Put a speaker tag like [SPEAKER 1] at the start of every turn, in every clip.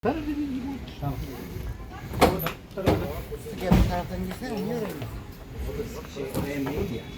[SPEAKER 1] Tarafı dediğin gibi.
[SPEAKER 2] Tamam.
[SPEAKER 1] Gel bu taraftan girsene, niye öyle?
[SPEAKER 2] Benim değil ya.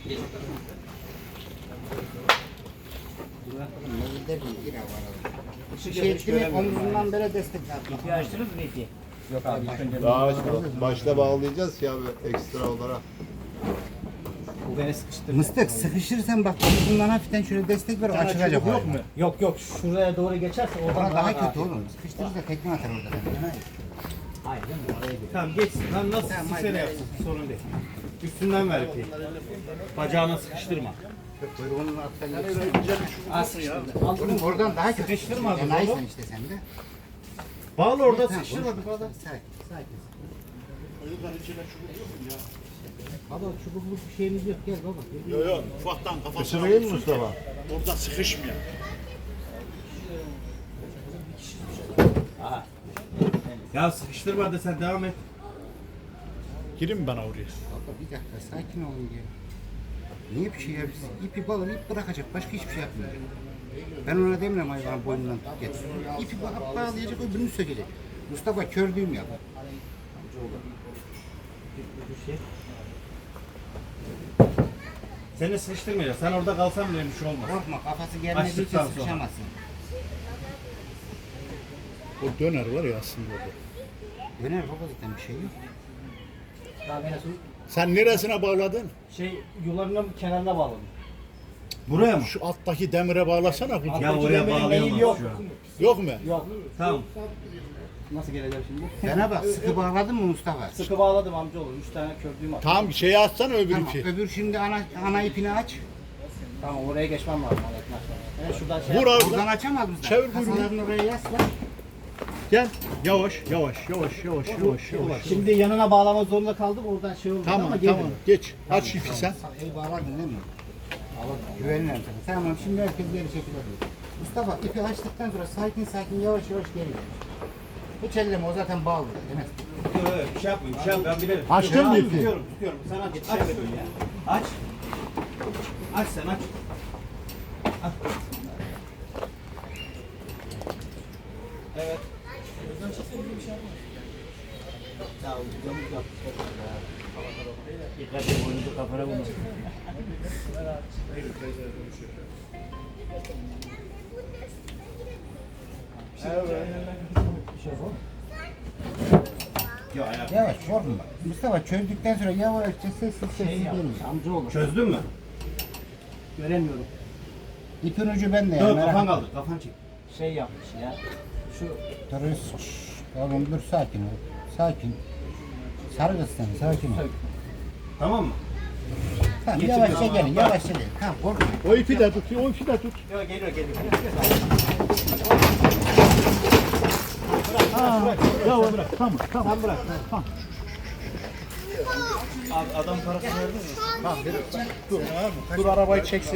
[SPEAKER 1] Ne gider mi? Gir havalı. Şey etti mi, omzundan böyle destek yapma.
[SPEAKER 2] İpi açtınız mı ipi? Yok abi.
[SPEAKER 3] Daha açmadım. Başta bağlayacağız ya ekstra olarak.
[SPEAKER 2] Bu beni sıkıştırdı.
[SPEAKER 1] Mıstık, sıkışırsan bak omzundan hafiften şöyle destek ver, açılacak.
[SPEAKER 2] Yok mu? Yok yok. Şuraya doğru geçerse oradan
[SPEAKER 1] Orada daha
[SPEAKER 2] rahat.
[SPEAKER 1] kötü oğlum. Sıkıştırırsa tekme atar orada.
[SPEAKER 2] Hayır değil mi? Oraya gidiyor.
[SPEAKER 4] Tamam geçsin. Lan nasıl
[SPEAKER 1] Tamam,
[SPEAKER 4] sıksa
[SPEAKER 1] hadi.
[SPEAKER 4] ne yapsın? Sorun değil. Üstünden ver ipi. Bacağına sıkıştırma.
[SPEAKER 1] Kuyruğunun altından geçsin.
[SPEAKER 2] Az sıkıştırdı.
[SPEAKER 1] Oğlum oradan daha kötü.
[SPEAKER 4] Sıkıştırmadın
[SPEAKER 1] Enayisin
[SPEAKER 4] oğlum.
[SPEAKER 1] işte sen de.
[SPEAKER 4] Bağlı orada
[SPEAKER 1] Tamam,
[SPEAKER 4] sıkıştırmadık
[SPEAKER 1] konuşma.
[SPEAKER 4] orada.
[SPEAKER 1] Sakin, sakin.
[SPEAKER 2] Baba çubukluk bir şeyimiz yok. Gel baba.
[SPEAKER 5] Yok yok ufaktan kafasına
[SPEAKER 3] Isırayım mı Mustafa?
[SPEAKER 5] orada sıkışmıyor.
[SPEAKER 2] Aha.
[SPEAKER 4] Ya sıkıştırma da sen devam et.
[SPEAKER 5] Girin bana oraya.
[SPEAKER 1] Baba bir dakika sakin olun diye. Niye bir şey yapıyorsun? İpi bağlı, ip bırakacak. Başka hiçbir şey yapmayacak. Ben ona demiyorum hayvanın boynundan tut getir. İpi bağlayacak, öbürünü sökecek. Mustafa kör düğüm yap.
[SPEAKER 4] Seni sıkıştırmayacak. Sen orada kalsan bile bir şey olmaz.
[SPEAKER 1] Korkma, kafası gelmediği için
[SPEAKER 4] Açtıktan sonra.
[SPEAKER 1] sıkışamazsın.
[SPEAKER 5] O döner var ya aslında orada.
[SPEAKER 1] Döner baba zaten bir şey yok.
[SPEAKER 2] Daha beni su
[SPEAKER 5] Sen neresine bağladın?
[SPEAKER 2] yularının kenarına bağladım.
[SPEAKER 4] Buraya mı?
[SPEAKER 5] Şu alttaki demire bağlasana.
[SPEAKER 4] Ya oraya bağlayamaz
[SPEAKER 2] yok.
[SPEAKER 4] şu an.
[SPEAKER 5] Yok mu?
[SPEAKER 2] Yok.
[SPEAKER 4] Tamam.
[SPEAKER 2] Nasıl geleceğim şimdi?
[SPEAKER 1] Bana bak, sıkı bağladın mı Mustafa?
[SPEAKER 2] Sıkı bağladım amcaoğlu. 3 tane köprüğüm var.
[SPEAKER 5] Tamam şeyi atsana öbür
[SPEAKER 1] Tamam,
[SPEAKER 5] ipi.
[SPEAKER 1] öbür şimdi ana ipini aç.
[SPEAKER 2] Tamam oraya geçmem lazım. Evet şuradan şey
[SPEAKER 5] Vur
[SPEAKER 2] yap.
[SPEAKER 5] abi.
[SPEAKER 1] Buradan açamaz mısın?
[SPEAKER 5] Çevir kuyruğunu.
[SPEAKER 1] Kasalarını oraya yasla.
[SPEAKER 5] Gel. Yavaş yavaş yavaş yavaş yavaş yavaş.
[SPEAKER 2] Şimdi yanına bağlamak zorunda kaldım. Oradan şey oldu
[SPEAKER 5] Tamam
[SPEAKER 2] ama
[SPEAKER 5] tamam.
[SPEAKER 2] geldi.
[SPEAKER 5] Geç. Aç ipi sen.
[SPEAKER 1] El bağladın değil mi? Güvenirim sana. Tamam, şimdi herkes geri çekilir. Mustafa ipi açtıktan sonra sakin sakin yavaş yavaş geri gel. Hiç elleme, o zaten bağlı. Demez.
[SPEAKER 4] Bir şey yapmayın. Bir şey yapmayın. Ben bilirim.
[SPEAKER 5] Açtın mı ipi?
[SPEAKER 4] Tutuyorum. Sen aç. Aç. Aç. Aç sen aç. Aç. Evet.
[SPEAKER 2] Dikkat et boynuzu kafana vurma.
[SPEAKER 4] Yok ayak.
[SPEAKER 1] Yavaş korkma. Mustafa çözdükten sonra yavaşça sessiz sessiz gelin.
[SPEAKER 2] Amcaoğlu.
[SPEAKER 4] Çözdün mü?
[SPEAKER 2] Göremiyorum.
[SPEAKER 1] İpin ucu bende ya.
[SPEAKER 4] Dur
[SPEAKER 1] merak
[SPEAKER 4] kafan
[SPEAKER 1] etme.
[SPEAKER 4] kaldı. Kafan çek.
[SPEAKER 2] Şey yapmış ya. Şu
[SPEAKER 1] Dur, oğlum dur, sakin ol. Sakin. Sarı kız sen, sakin ol.
[SPEAKER 4] Tamam mı?
[SPEAKER 1] Tamam,
[SPEAKER 4] Geçin
[SPEAKER 1] yavaşça
[SPEAKER 4] tamam,
[SPEAKER 1] gelin,
[SPEAKER 4] bak.
[SPEAKER 1] yavaşça gelin. Tamam, korkma.
[SPEAKER 5] O ipi de tut. O ipi de tut.
[SPEAKER 4] Yok geliyor.
[SPEAKER 5] Yavaş. Tamam tamam.
[SPEAKER 4] Sen bırak. Tamam. Abi adam parasını verdin mi?
[SPEAKER 5] Dur arabayı çeksin.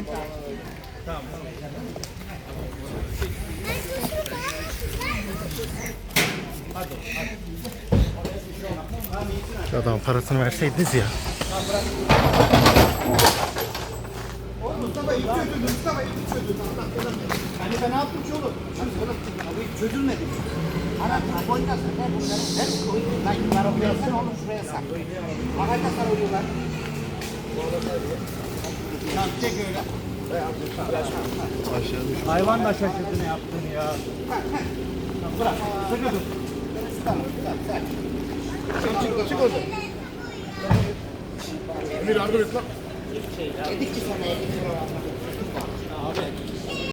[SPEAKER 6] Adam parasını verseydiniz ya.
[SPEAKER 1] Hani ben ne yaptım ki oğlum? Bu hiç çözülmedi. Ana boynasın, ver bunları. Ver koyun. Lan yukarı koyarsan oğlum şuraya sak. Bagajda sarılıyorlar. Tamam, çek öyle.
[SPEAKER 4] Hayvan da şaşırdı ne yaptığını ya.
[SPEAKER 1] Bırak, sıkı dur. Tamam, tamam, sakin. Çık oradan.
[SPEAKER 5] Emir yardım et lan.
[SPEAKER 1] Yedik ki sana 50 kilo.